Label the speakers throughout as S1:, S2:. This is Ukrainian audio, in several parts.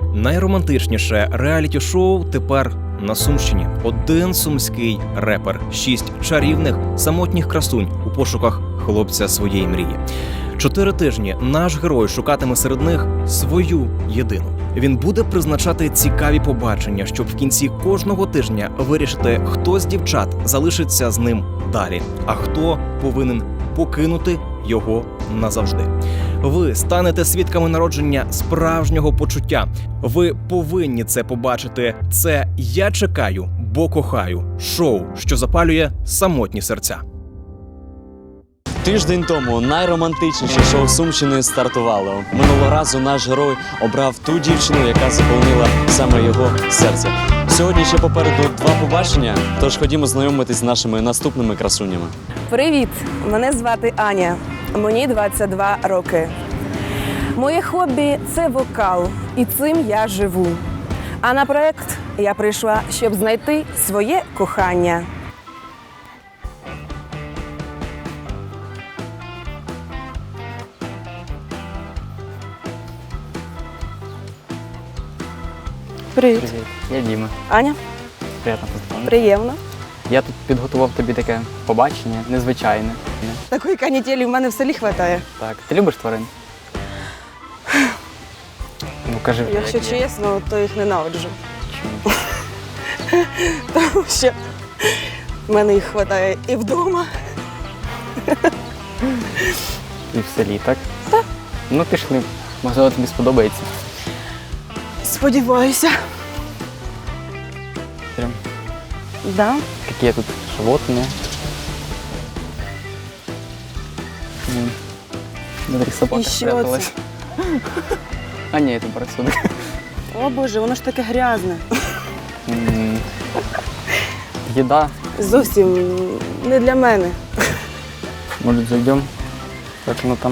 S1: Найромантичніше реаліті-шоу тепер на Сумщині. Один сумський репер, 6 чарівних самотніх красунь у пошуках хлопця своєї мрії. 4 тижні наш герой шукатиме серед них свою єдину. Він буде призначати цікаві побачення, щоб в кінці кожного тижня вирішити, хто з дівчат залишиться з ним далі, а хто повинен покинути його назавжди. Ви станете свідками народження справжнього почуття. Ви повинні це побачити. Це «Я чекаю, бо кохаю» – шоу, що запалює самотні серця.
S2: Тиждень тому найромантичніше шоу Сумщини стартувало. Минулого разу наш герой обрав ту дівчину, яка заповнила саме його серце. Сьогодні ще попереду 2 побачення, тож ходімо знайомитись з нашими наступними красунями.
S3: Привіт! Мене звати Аня. Мені 22 роки. Моє хобі – це вокал, і цим я живу. А на проєкт я прийшла, щоб знайти своє кохання. Привіт.
S4: Привіт, я Діма.
S3: Аня,
S4: Приємно познайомитися.
S3: приємно.
S4: Я тут підготував тобі таке побачення, незвичайне.
S3: Такої канітелі в мене в селі вистачає.
S4: Так, ти любиш тварин? Ну кажи вже.
S3: Якщо
S4: як є.
S3: чесно, то їх ненавиджу.
S4: Чому?
S3: Тому що в мене їх вистачає і вдома.
S4: І в селі, так? Так. Ну пішли, можливо тобі сподобається.
S3: Сподіваюся.
S4: Прям,
S3: Да.
S4: які тут животні. Смотри, собака
S3: І що
S4: спряталась. А ні, це барсук.
S3: О Боже, воно ж таке грязне.
S4: Їда.
S3: Зовсім не для мене.
S4: Може зайдемо? Як воно там?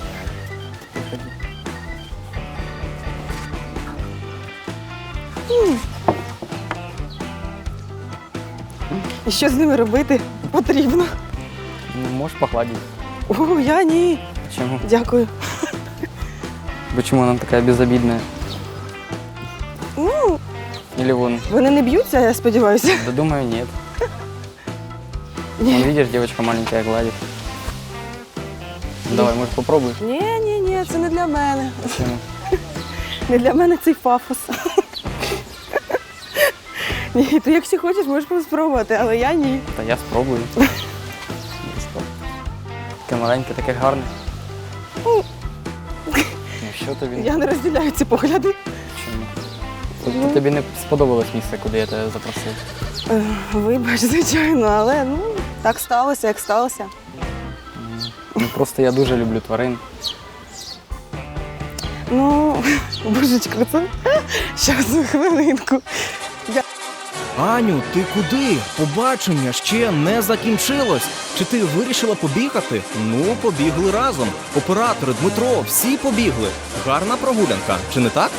S3: І що з ними робити потрібно?
S4: Ну, можеш погладити.
S3: О, я ні.
S4: Чому?
S3: Дякую.
S4: Почему она такая безобидная?
S3: Ну,
S4: Или вон?
S3: вони не б'ються, я сподіваюся.
S4: Да думаю, нет. Вон, видишь, девочка маленькая гладит. Давай, может, попробуешь?
S3: Ні, це не для мене.
S4: Почему?
S3: Не для мене цей пафос. Ні, ти якщо хочеш, можеш спробувати, але я ні.
S4: Та я спробую. Таке маленьке, таке гарне. Ну, що тобі?
S3: Я не розділяю ці погляди.
S4: Чому? Тобто тобі не сподобалось місце, куди я тебе запросив?
S3: Вибач, звичайно, але ну, так сталося, як сталося.
S4: Ну, просто я дуже люблю тварин.
S3: Ну, божечко, це... Щас, хвилинку.
S1: Аню, ти куди? Побачення ще не закінчилось. Чи ти вирішила побігати? Ну, побігли разом. Оператори, Дмитро, всі побігли. Гарна прогулянка, чи не так?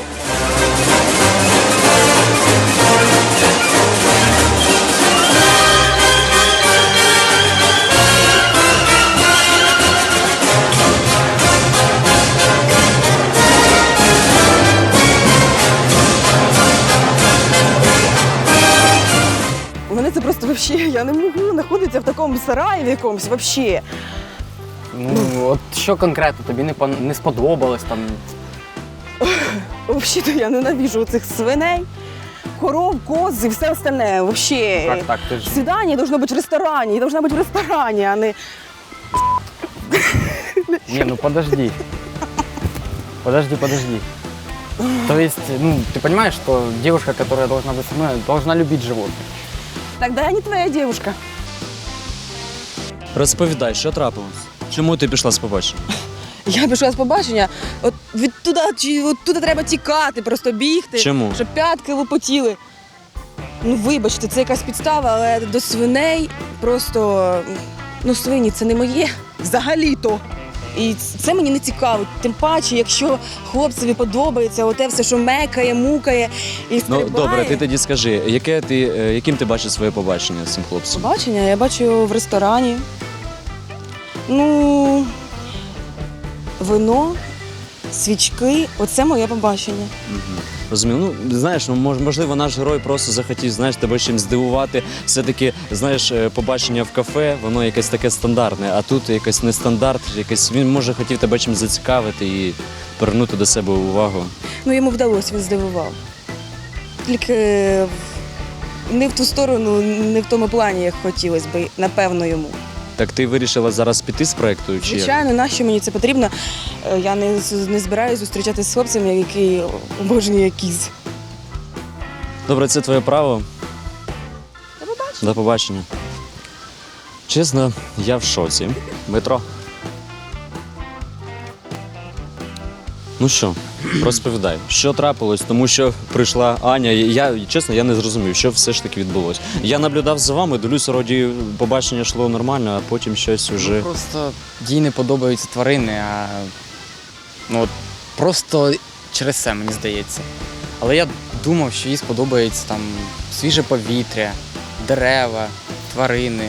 S3: Мене це просто взагалі, я не можу знаходитися в такому сараї в якомусь взагалі.
S4: Ну, от що конкретно тобі не сподобалось там?
S3: Взагалі-то я ненавижу цих свиней, коров, коз і все остальне. Взагалі.
S4: Так, ти ж...
S3: Свидание должно быть в ресторане, должна быть в ресторане, а не...
S4: Не, ну подожди. Подожди. То есть, ну, ты понимаешь, что девушка, которая должна быть со мной, должна любить животных.
S3: Тогда я не твоя девушка.
S2: Розповідай, що трапилось? Чому ти пішла з побачення?
S3: Я пішла з побачення, от туди треба тікати, просто бігти.
S2: Чому?
S3: Щоб п'ятки лопотіли. Ну, вибачте, це якась підстава, але до свиней просто... Ну, свині – це не моє взагалі-то. І це мені не цікаво. Тим паче, якщо хлопцеві подобається оте все, що мекає, мукає і стрибає.
S2: Ну, добре, ти тоді скажи, яким ти бачиш своє побачення з цим хлопцем?
S3: Побачення я бачу в ресторані. Ну, вино, свічки. Оце моє побачення.
S2: Розумію. Ну, знаєш, ну, можливо, наш герой просто захотів, знаєш, тебе чимось здивувати. Все-таки, знаєш, побачення в кафе, воно якесь таке стандартне, а тут якийсь нестандарт, якийсь, він, може, хотів тебе чимось зацікавити і привернути до себе увагу.
S3: Ну, йому вдалося, він здивував. Тільки не в ту сторону, не в тому плані, як хотілося б, напевно, йому.
S2: Так ти вирішила зараз піти з проєкту? Чи як?
S3: Звичайно, нащо мені це потрібно? Я не збираюся зустрічатися з хлопцем, який обожнює кіз.
S2: Добре, це твоє право.
S3: До побачення.
S2: До побачення. Чесно, я в шоці. Дмитро. Ну що, розповідай, що трапилось, тому що прийшла Аня. Чесно, я не зрозумів, що все ж таки відбулося. Я наблюдав за вами, дивлюся, вроді побачення йшло нормально, а потім щось уже.
S4: Просто їй не подобаються тварини, а ну, от просто через це, мені здається. Але я думав, що їй сподобається там свіже повітря, дерева, тварини.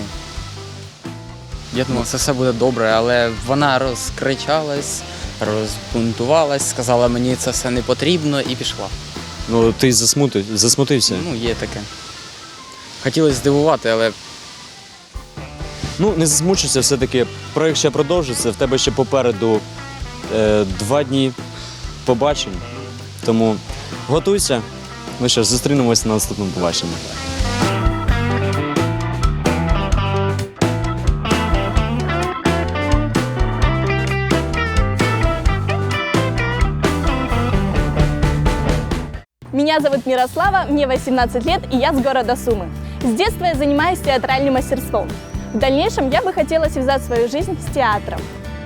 S4: Я думав, це все буде добре, але вона розкричалась, розбунтувалась, сказала, мені це все не потрібно і пішла.
S2: Ну, ти засмутився?
S4: Ну, є таке. Хотілося здивувати, але
S2: Ну, не засмучуйся, все-таки проєкт ще продовжиться, в тебе ще попереду 2 дні побачень, тому готуйся. Ну що ж, зустрінемося на наступному побаченні.
S5: Меня зовут Мирослава, мне 18 лет, и я с города Сумы. С детства я занимаюсь театральным мастерством. В дальнейшем я бы хотела связать свою жизнь с театром.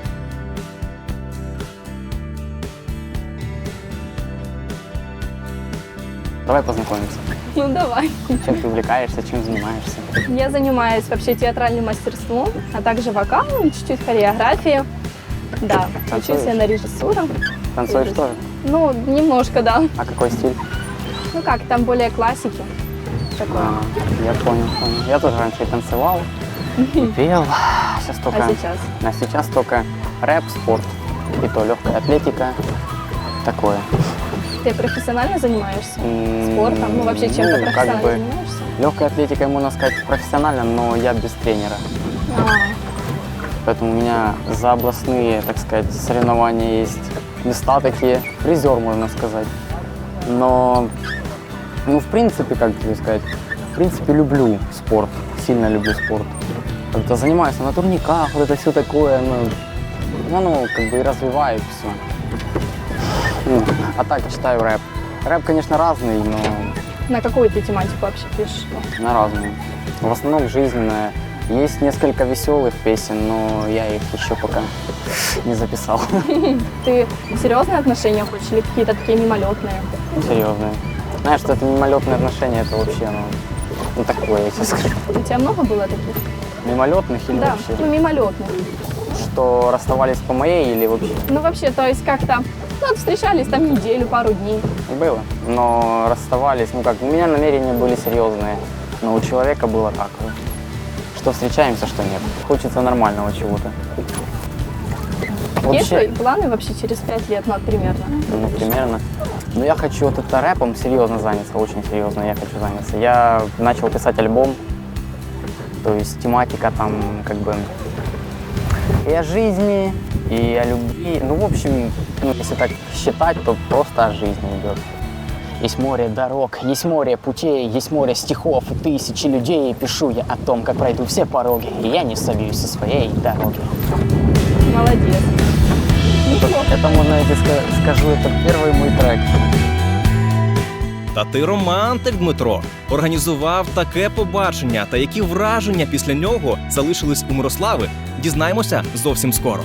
S4: давай познакомимся.
S5: Ну давай.
S4: Чем ты увлекаешься, чем занимаешься?
S5: Я занимаюсь вообще театральным мастерством, а также вокалом, чуть-чуть хореографией. Да,
S4: Танцуешь?
S5: учусь я на режиссуру.
S4: Танцуешь тоже?
S5: Ну, немножко, да.
S4: А какой стиль?
S5: Ну как, там более классики. Такое.
S4: Я понял. Я тоже раньше и танцевал, и пел. Сейчас только...
S5: А сейчас?
S4: А сейчас только рэп, спорт, и то легкая атлетика, такое.
S5: Ты профессионально занимаешься спортом? Ну вообще чем-то
S4: Ну, как
S5: профессионально
S4: бы
S5: занимаешься?
S4: легкой атлетикой, можно сказать, профессионально, но я без тренера.
S5: А,
S4: Поэтому у меня за областные, так сказать, соревнования есть места такие, призер, можно сказать. Но, ну, в принципе, как тебе сказать, в принципе, люблю спорт, сильно люблю спорт. Как-то занимаюсь на турниках, вот это все такое, ну, как бы и развиваю все. Ну, а так читаю рэп. Рэп, конечно, разный, но
S5: на какую ты тематику вообще пишешь?
S4: на разную. В основном жизненная. Есть несколько веселых песен, но я их еще пока не записал.
S5: Ты серьезные отношения хочешь или какие-то такие мимолетные?
S4: Серьезные. Знаешь, что это мимолетные отношения, это вообще, ну такое, я тебе скажу.
S5: У тебя много было таких?
S4: Мимолетных или
S5: Да,
S4: вообще?
S5: ну мимолетных.
S4: Что расставались по моей или вообще?
S5: Ну вообще, то есть как-то, ну вот встречались там неделю, пару дней.
S4: Было. Но расставались, ну как, у меня намерения были серьезные, но у человека было так. Что встречаемся, что нет. Хочется нормального чего-то.
S5: Есть твои планы вообще через 5 лет, ну вот примерно?
S4: Ну, примерно. Но я хочу вот это рэпом серьезно заняться, очень серьезно я хочу заняться. Я начал писать альбом, то есть тематика там как бы и о жизни, и о любви. Ну, в общем, ну, если так считать, то просто о жизни идет. Есть море дорог, есть море путей, есть море стихов и тысячи людей. И пишу я о том, как пройду все пороги, и я не собьюсь со своей дороги.
S5: Молодец.
S4: Это можно, я тебе скажу, это первый мой трек.
S1: Та ти романтик, Дмитро. Організував таке побачення, та які враження після нього залишились у Мирослави, дізнаємося зовсім скоро.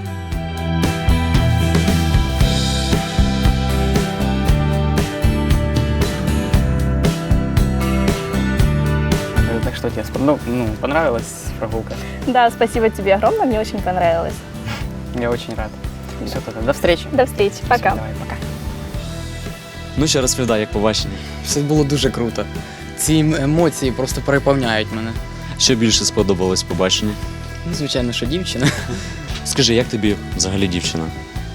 S4: Так что тебе понравилась прогулка?
S5: Да, спасибо тебе огромное, мне очень понравилось.
S4: Я очень рад. Все, тогда до встречи.
S5: До встречи, пока.
S4: Давай, пока.
S2: Ну ще розповідай, як побачення.
S4: Все було дуже круто. Ці емоції просто переповняють мене.
S2: Що більше сподобалось побачення?
S4: Ну, звичайно, що дівчина.
S2: Скажи, як тобі взагалі дівчина?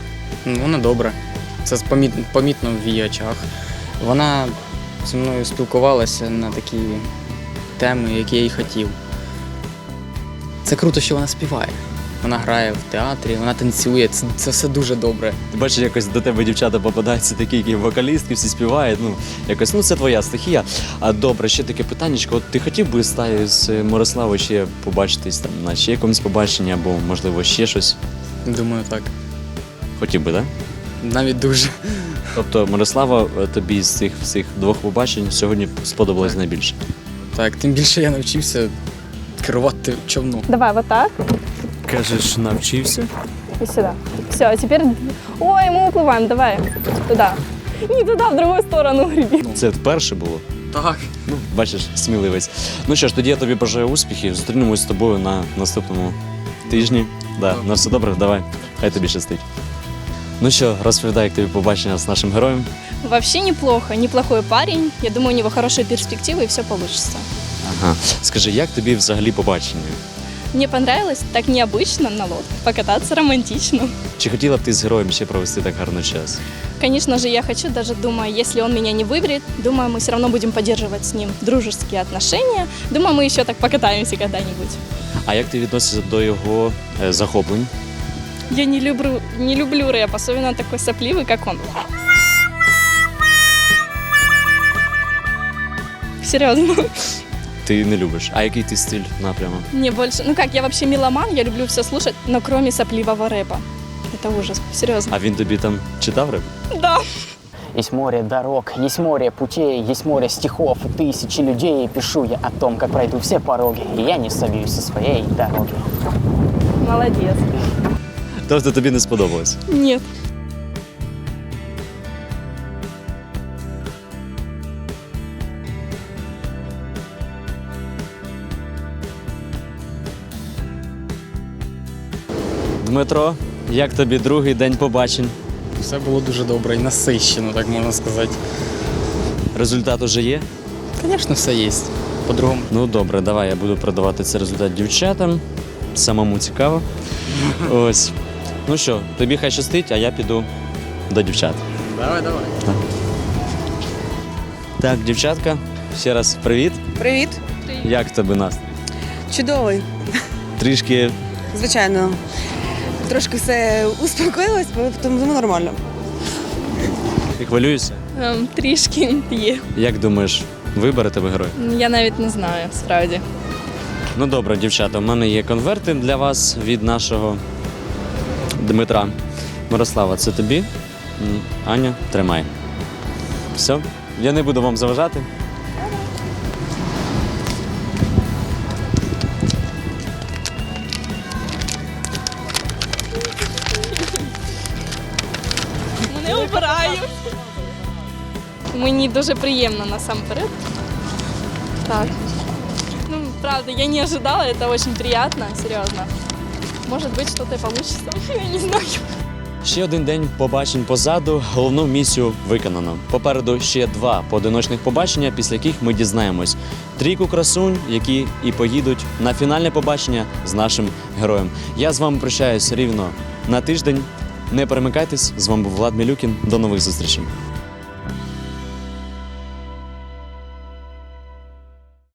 S6: Ну, вона добра. Це помітно в її очах. Вона зі мною спілкувалася на такі теми, які я й хотів. Це круто, що вона співає. Вона грає в театрі, вона танцює. Це все дуже добре.
S2: Ти бачиш, якось до тебе дівчата попадаються такі, які вокалістки, всі співають. Ну, якось, ну це твоя стихія. А добре, ще таке питаннячко. От ти хотів би з Мирославою ще побачитись там на ще якомусь побаченні, або, можливо, ще щось?
S6: Думаю, так.
S2: Хотів би, так?
S6: Навіть дуже.
S2: Тобто Мирослава тобі з цих всіх двох побачень сьогодні сподобалась
S6: Так.
S2: найбільше?
S6: Так, тим більше я навчився керувати човном.
S5: Давай вот так
S2: Кажеш, навчився?
S5: и сюда. Все, а теперь... Ой, мы уплываем, давай. Туда. Не туда, в другую сторону греби.
S2: Це вперше було?
S6: Так.
S2: Ну, бачиш, сміливець. Ну що ж, тоді я тобі бажаю успіхів. Зустрінемось з тобою на наступному тижні. Да, на все добре, давай. Хай тобі щастить. Ну що, розповідай, як тобі побачення з нашим героєм.
S5: Вообще неплохо, неплохой парень. Я думаю, у него хорошие перспективы и все получится.
S2: Ага. Скажи, як тобі взагалі побачення?
S5: Мне понравилось так необычно на лодке покататься романтично.
S2: Чи хотіла б ти з героєм ще провести так гарно час?
S5: Конечно же, я хочу, даже думаю, если он меня не выберет, думаю, мы все равно будем поддерживать с ним дружеские отношения. Думаю, мы еще так покатаемся когда-нибудь.
S2: А як ти відносишся до його захоплень?
S5: Я не люблю рэп, особенно такой сопливый, как он. Серьезно.
S2: Ти не любиш. А який ти стиль напрямок?
S5: Мне больше... Ну как, я вообще меломан, я люблю все слушать, но кроме сопливого рэпа. Это ужас, серьезно.
S2: А він тобі там читав реп?
S5: Да.
S4: Есть море дорог, есть море путей, есть море стихов и тысячи людей. Пишу я о том, как пройду все пороги, и я не собьюсь со своей дороги.
S5: Молодец.
S2: Тобто тобі не сподобалось?
S5: Нет.
S2: Дмитро, як тобі другий день побачень?
S6: Все було дуже добре і насищено, так можна сказати.
S2: Результат уже є?
S6: Звісно, все є. По-другому.
S2: Ну добре, давай я буду продавати цей результат дівчатам. Самому цікаво. Ось. Ну що, тобі хай щастить, а я піду до дівчат.
S6: Давай.
S2: Так, дівчатка, ще раз привіт.
S3: Привіт,
S2: Як в тебе настрій?
S3: чудовий.
S2: Трішки
S3: Звичайно. Трошки все успокоїлось, тому нормально.
S2: ти хвилюєшся?
S5: Трішки є.
S2: Як думаєш, вибере тебе герой?
S5: Я навіть не знаю, справді.
S2: Ну добре, дівчата, у мене є конверти для вас від нашого Дмитра. Мирослава, це тобі. Аня, тримай. Все, я не буду вам заважати.
S5: Не обираю. Мені дуже приємно насамперед. Так. Ну, правда, я не ожидала, это очень приятно, серьезно. Может быть, что-то и получится. Я не знаю.
S2: Ще один день побачень позаду, головну місію виконано. Попереду ще 2 поодиночних побачення, після яких ми дізнаємось 3 красунь, які і поїдуть на фінальне побачення з нашим героєм. Я з вами прощаюсь рівно на тиждень. Не перемикайтесь, з вами був Влад Мілюкін. До нових зустрічей.